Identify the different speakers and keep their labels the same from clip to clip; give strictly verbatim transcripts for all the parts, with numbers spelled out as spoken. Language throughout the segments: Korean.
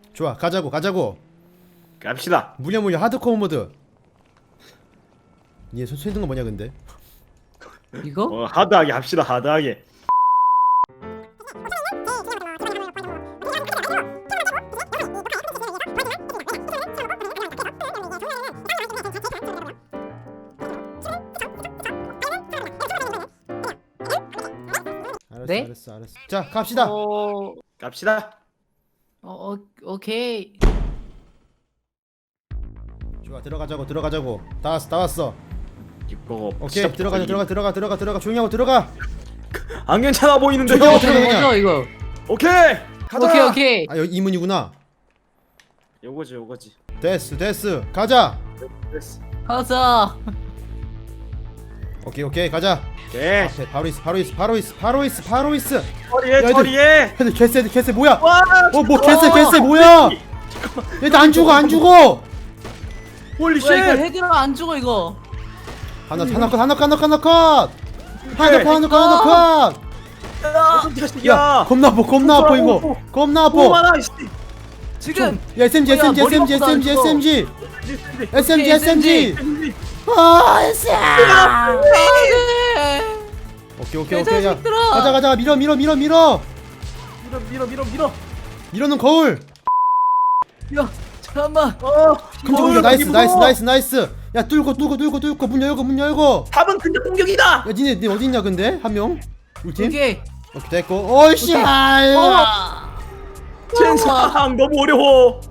Speaker 1: 좋아, 가자고 가자고.
Speaker 2: 갑시다.
Speaker 1: 물려 물려 하드코어 모드. 얘 손 든 거 뭐냐 근데?
Speaker 3: 이거?
Speaker 2: 어 하드하게 합시다. 하드하게.
Speaker 1: 알았어,
Speaker 3: 네?
Speaker 1: 알았어, 알았어. 자, 갑시다.
Speaker 3: 어,
Speaker 2: 갑시다.
Speaker 3: 어, 어, 오케이.
Speaker 1: 좋아, 들어가자고, 들어가자고. 다 왔어, 다 왔어.
Speaker 2: 이거
Speaker 1: 오케이, 들어가자, 들어가, 들어가, 들어가, 들어가. 조용히 하고 들어가.
Speaker 2: 안 괜찮아 보이는데.
Speaker 1: 저기
Speaker 2: 요
Speaker 1: 어떻게 그냥.
Speaker 3: 뭐죠 이거?
Speaker 2: 오케이. 가자.
Speaker 3: 오케이 오케이.
Speaker 1: 아, 여기 이문이구나.
Speaker 2: 요거지 요거지.
Speaker 1: 됐어, 됐어. 가자.
Speaker 2: 됐어.
Speaker 3: 가자.
Speaker 1: 오케이, 오케이, 가자.
Speaker 2: 오케이.
Speaker 1: 앞에 바로 있어, 바로 있어, 바로 있어, 바로 있어, 바로 있어.
Speaker 2: 처리해
Speaker 1: 얘들.
Speaker 2: 처리해.
Speaker 1: 근데 개쎄, 개쎄 뭐야?
Speaker 2: 와.
Speaker 1: 어, 뭐 개쎄, 개쎄 뭐야? 얘들 안 죽어, 안 죽어.
Speaker 2: 홀리 쉣.
Speaker 3: 뭐야 이거 헤드랑 안 죽어 이거.
Speaker 1: 하나, 하나 컷, 하나 컷, 하나 컷, 하나 컷. 하나 컷, 하나 컷, 하나 컷.
Speaker 2: 어떤 자식이야.
Speaker 1: 야, 겁나 아파, 겁나 아파 이거. 겁나 아파.
Speaker 2: 오만아 씨.
Speaker 3: 지금.
Speaker 1: 야, 에스엠지,
Speaker 3: 뭐야,
Speaker 1: 에스엠지,
Speaker 3: 머리
Speaker 1: 에스엠지,
Speaker 3: 아프다,
Speaker 1: 에스엠지,
Speaker 3: 이거.
Speaker 1: 에스엠지. 에스엠지,
Speaker 3: 오케이,
Speaker 1: 에스엠지. 아, 에스엠지.
Speaker 3: 네.
Speaker 1: 오케이, 오케이, 오케이. 야,
Speaker 3: 자식들아.
Speaker 1: 가자, 가자. 밀어, 밀어, 밀어, 밀어.
Speaker 2: 밀어 밀어 밀어 밀어.
Speaker 1: 밀어는 거울.
Speaker 3: 야 잠깐만.
Speaker 2: 어.
Speaker 1: 근접 공격. 나이스, 나이스, 나이스, 나이스. 야, 뚫고, 뚫고, 뚫고, 뚫고. 문 열고, 문 열고.
Speaker 2: 답은 근접 공격이다.
Speaker 1: 야, 니네, 니 어디 있냐 근데? 한 명? 우리 팀?
Speaker 3: 오케이.
Speaker 1: 오케이, 됐고. 어이씨.
Speaker 3: 오케이.
Speaker 1: 아유.
Speaker 3: 어.
Speaker 2: 젠상 너무 어려워.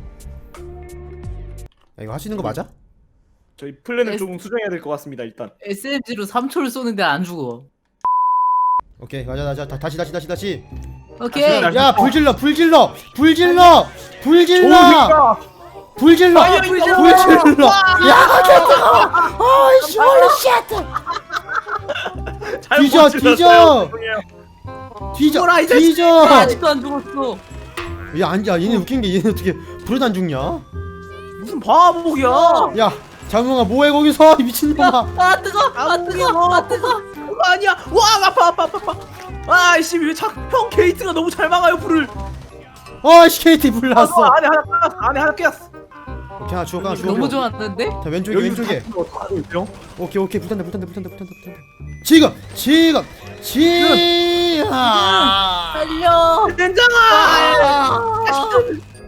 Speaker 1: 야, 이거 할 수 있는 거 맞아?
Speaker 2: 저희 플랜을
Speaker 3: 에스-
Speaker 2: 좀 수정해야 될 것 같습니다. 일단.
Speaker 3: 에스엠지로 삼 초를 쏘는데 안 죽어.
Speaker 1: 오케이, 가자, 가자. 다, 다시, 다시, 다시, 다시.
Speaker 3: 오케이.
Speaker 2: 다시,
Speaker 1: 야, 불 질러, 불 질러, 불 질러, 불 질러,
Speaker 2: 좋으니까.
Speaker 1: 불 질러,
Speaker 2: 아이야,
Speaker 1: 불
Speaker 2: 이거.
Speaker 1: 질러. 야, 개뜨거. 어이씨, 홀리 쉣.
Speaker 2: 잘못
Speaker 1: 뒤져,
Speaker 2: 질렀어요.
Speaker 1: 뒤져.
Speaker 2: 죄송해요.
Speaker 1: 뒤져,
Speaker 3: 뭐라, 이
Speaker 1: 뒤져.
Speaker 3: 아직도 안 죽었어.
Speaker 1: 야, 안, 야, 얘네 웃긴 게 얘네 어떻게 불에도 안 죽냐?
Speaker 2: 무슨 바보야.
Speaker 1: 야, 장웅아 뭐해 거기서 이 미친놈아.
Speaker 3: 아 뜨거. 아 뜨거. 아 뜨거.
Speaker 2: 그거 아니야. 와 아파 아파 아파 아파. 아이씨 왜형 게이트가 너무 잘 막아요 불을.
Speaker 1: 어이씨, 케이티 불
Speaker 2: 아,
Speaker 1: 났어.
Speaker 2: 안에 하나 꼈어. 안에 하나 꼈어.
Speaker 1: 오케이, 하나 주워, 하나 주워.
Speaker 3: 너무 좋았는데?
Speaker 1: 자, 왼쪽에, 왼쪽에.
Speaker 2: 어떡하죠?
Speaker 1: 오케이, 오케이, 불탄다, 불탄다, 불탄다, 불탄다, 불탄다. 지금, 지금, 지금.
Speaker 3: 달려.
Speaker 2: 된장아.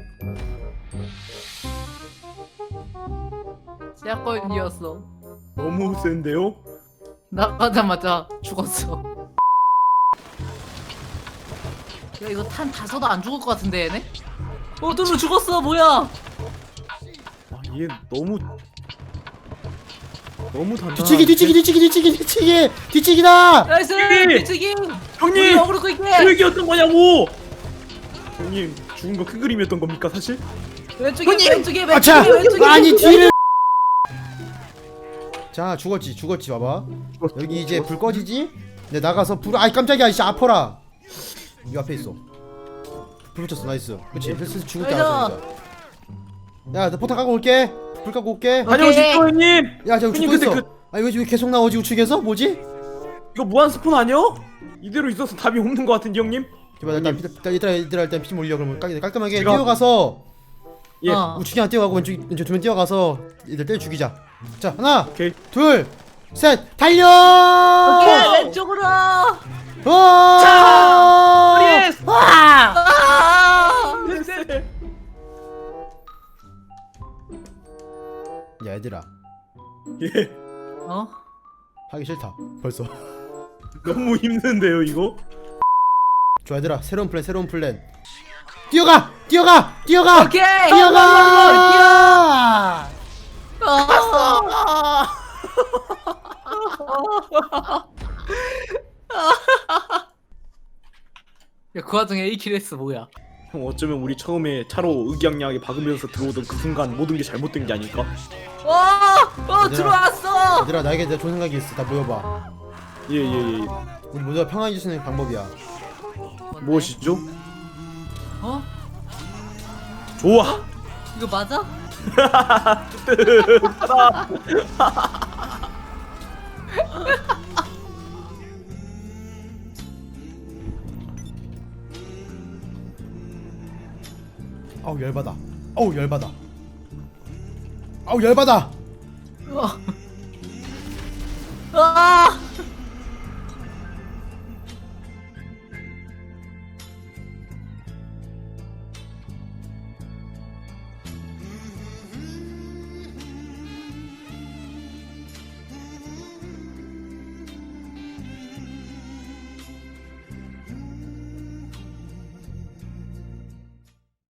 Speaker 3: 시작권이었어.
Speaker 2: 너무 센데요?
Speaker 3: 나가자마자 죽었어. 야 이거 탄 다 써도 안 죽을 것 같은데 얘네? 어 뚜루 죽었어 뭐야?
Speaker 2: 아얘 너무 너무 단단.
Speaker 1: 뒤치기, 뒤치기, 뒤치기, 뒤치기, 뒤치기, 뒤치기다.
Speaker 3: 나이스
Speaker 2: 뒤치기!
Speaker 3: 뒤치기.
Speaker 2: 형님
Speaker 3: 어그로 끌게.
Speaker 2: 계획이었던 거냐고. 형님 죽은 거 큰 그림이었던 겁니까 사실?
Speaker 3: 왼쪽에
Speaker 2: 형님!
Speaker 3: 왼쪽에
Speaker 1: 아차,
Speaker 3: 왼쪽에 왼쪽에.
Speaker 1: 아니 뒤를. 자, 죽었지, 죽었지, 봐봐. 여기 이제 불 꺼지지? 내 나가서 불, 아이 깜짝이야, 이씨 아파라. 이 앞에 있어. 불 붙였어, 나이스. 그렇지, 슬슬 죽을 때 알았어, 진짜. 야, 나 포탑 까고 올게. 불 까고 올게.
Speaker 2: 다녀오십시오 형님.
Speaker 1: 야, 저
Speaker 2: 형님,
Speaker 1: 죽고
Speaker 2: 근데
Speaker 1: 있어.
Speaker 2: 그-
Speaker 1: 아니 왜, 왜 계속 나오지 우측에서? 뭐지?
Speaker 2: 이거 무한 스폰 아니요? 이대로 있어서 답이 없는 것 같은데 형님?
Speaker 1: 제발 일단 일단 얘들아 얘들아 일단 피 좀 올려. 그러면 깔- 깔끔하게
Speaker 2: 제가-
Speaker 1: 뛰어가서
Speaker 2: 예.
Speaker 3: 어.
Speaker 1: 우측에 하나 뛰어가고 왼쪽 왼쪽 두 명 뛰어가서 얘들 때려 죽이자. 자, 하나,
Speaker 2: 오케이.
Speaker 1: 둘, 셋, 달려!
Speaker 3: 오케이 왼쪽으로.
Speaker 1: 어!
Speaker 2: 자! 예스!
Speaker 1: 아!
Speaker 3: 아.
Speaker 2: 네.
Speaker 1: 야, 얘들아
Speaker 2: 예.
Speaker 3: 어?
Speaker 1: 하기 싫다. 벌써.
Speaker 2: 너무 힘든데요 이거?
Speaker 1: 좋아, 얘들아 새로운 플랜 새로운 플랜. 뛰어가! 뛰어가! 뛰어가!
Speaker 3: 오케이.
Speaker 1: 뛰어가!
Speaker 3: 아. 야그 와중에 일 킬 했어 뭐야?
Speaker 2: 형 어쩌면 우리 처음에 차로 의기양양하게 박으면서 들어오던 그 순간 모든 게 잘못된 게 아닐까?
Speaker 3: 와! 어
Speaker 1: 얘들아.
Speaker 3: 들어왔어!
Speaker 1: 얘들아 나에게 내가 좋은 생각이 있어. 다 모여봐.
Speaker 2: 예예예 예, 예.
Speaker 1: 우리 모두가 평안해질 수 있는 방법이야.
Speaker 2: 무엇이죠?
Speaker 3: 어?
Speaker 2: 좋아!
Speaker 3: 이거 맞아?
Speaker 1: 아우 열받아. 아우 열받아. 아우 열받아.
Speaker 3: 아